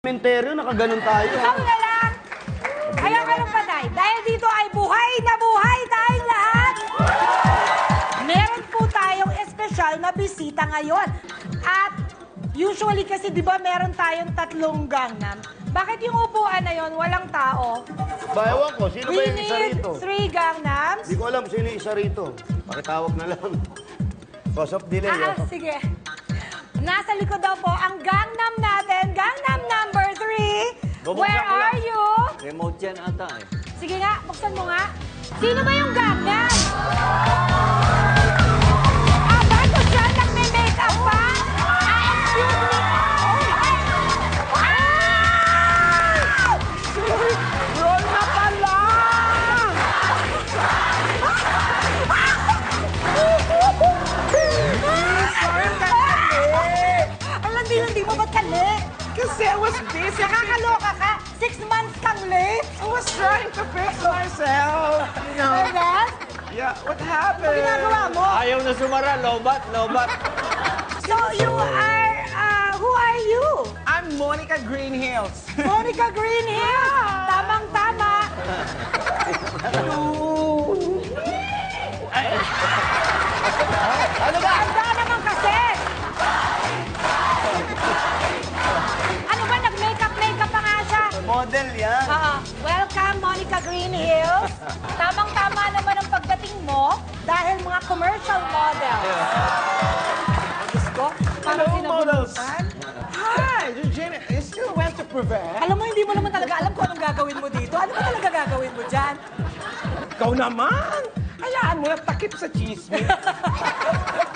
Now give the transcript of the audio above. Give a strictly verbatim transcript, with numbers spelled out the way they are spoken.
Menteryo, nakaganon tayo. Ikaw na lang. Kaya kayo patay. Dahil dito ay buhay na buhay tayong lahat. Meron po tayong espesyal na bisita ngayon. At usually kasi di ba meron tayong tatlong gangnam. Bakit yung upuan na yon walang tao? Bayawan ko, sino ba We yung isa need rito? three gangnams. Hindi ko alam sino yung isa rito. Pakitawag na lang. Cause of delay. Ah, ah, oh. sige. Nasa likod daw po ang gangnam natin. Gangnam number three. Bubuksan Where ko lang. are you? Remote yan ata eh. Sige nga, buksan mo nga. Sino ba yung gangnam? Ah, bago siya nagme-makeup pa? Ah, excuse me. Ah! Roll na pala! Ang landi-landi mo, ba't ka late? Kasi I was busy. Nakakaloka ka. Six months kang late. I was trying to fix myself. You know? Ernest, Yeah, what ano happened? ginagawa mo? Ayaw na sumara, lobat, lobat. So you are, uh, who are you? I'm Monica Greenhills. Monica Greenhill. Tamang-tama. Ano ba? Handa naman kasi. Ano ba, nag-makeup-makeup pa nga siya? Model yan. Oo. Welcome, Monica Greenhills. Tamang-tama naman ang pagdating mo dahil mga commercial model. Diyos ko, parang Hello, sinabulutan. models. Hi, Eugenia. You still went to prevent? Alam mo, hindi mo naman talaga alam kung anong gagawin mo dito. Ano ba talaga gagawin mo dyan? Ikaw naman. Hayaan mo na takip sa chismis.